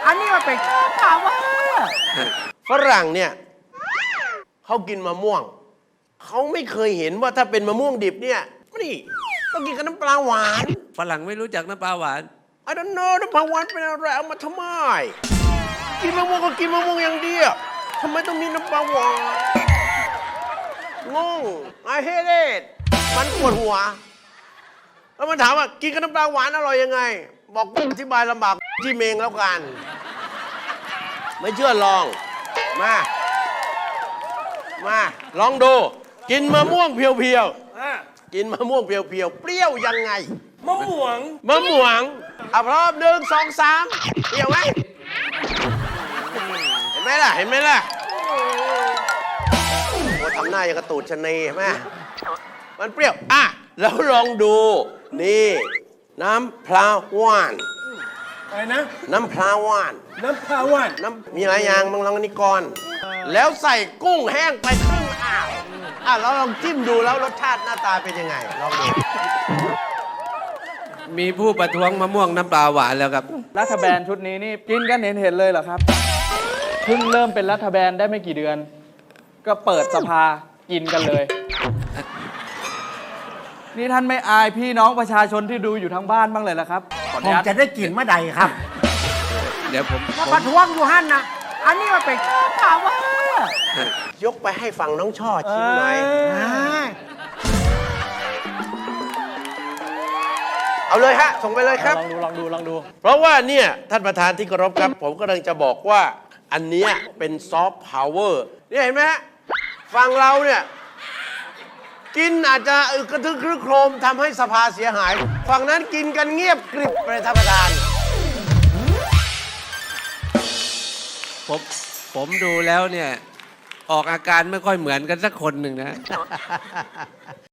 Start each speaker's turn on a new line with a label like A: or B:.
A: อันนี้มันเป็นถามว่า
B: ฝรั่งเนี่ยเขากินมะม่วงเขาไม่เคยเห็นว่าถ้าเป็นมะม่วงดิบเนี่ยนี่ต้องกินกับน้ำปลาหวาน
C: ฝรั่งไม่รู้จักน้ำปลาหวาน
B: I don't know น้ำปลาหวานเป็นอะไรเอามาทำไมกินมะม่วงก็กินมะม่วงอย่างเดียวทำไมต้องมีน้ำปลาหวานงง I hate it มันปวดหัวแล้วมันถามว่ากินกับน้ำปลาหวานอร่อยยังไงบอกอธิบายลำบากที่เมงแล้วกันไม่เชื่อลองมาลองดูกินมะม่วงเพียวๆกินมะม่วงเพียวๆเปรี้ยวยังไง
A: มะม่วง
B: พร้อม1 2 3เปรี้ยวไหมเห็นไหมล่ะโอ้ทำหน้าอย่างกระตูดชะนีเห็นไหมมันเปรี้ยวแล้วลองดูนี่น้ำปลาหวาน
A: อะไรนะ
B: น้ำปลาหวานมีหลายอย่างบางลองนี่ก่อนแล้วใส่กุ้งแห้งไปครึ่งแล้วลองจิ้มดูแล้วรสชาติหน้าตาเป็นยังไงลองดู
C: มีผู้ประท้วงมะม่วงน้ำปลาหวานแล้วครับ
D: รัฐบาลชุดนี้นี่กินกันเห็นเลยเหรอครับเพิ่งเริ่มเป็นรัฐบาลได้ไม่กี่เดือน ก็เปิดสภากินกันเลยนี่ท่านไม่อายพี่น้องประชาชนที่ดูอยู่ทั้งบ้านบ้างเลยเหรอครับ
A: ผมจะได้กินเมื่อใดครับ
C: เดี๋ยวผม
A: ประท้วงอยู่ฮั่นนะอันนี้มันเป็นถามว่
B: ายกไปให้ฝั่งน้องช่อชิมหน่อยเอาเลยฮะส่งไปเลยครับ
D: ลองดู
B: เพราะว่าเนี่ยท่านประธานที่เคารพครับผมกำลังจะบอกว่าอันเนี้ยเป็นซอฟต์พาวเวอร์เนี่ยเห็นไหมฮะฝั่งเราเนี่ยกินอาจจะกระทึกครึกโครมทำให้สภาเสียหายฝั่งนั้นกินกันเงียบกริบเลยท่านประธาน
C: ผมดูแล้วเนี่ยออกอาการไม่ค่อยเหมือนกันสักคนหนึ่งนะ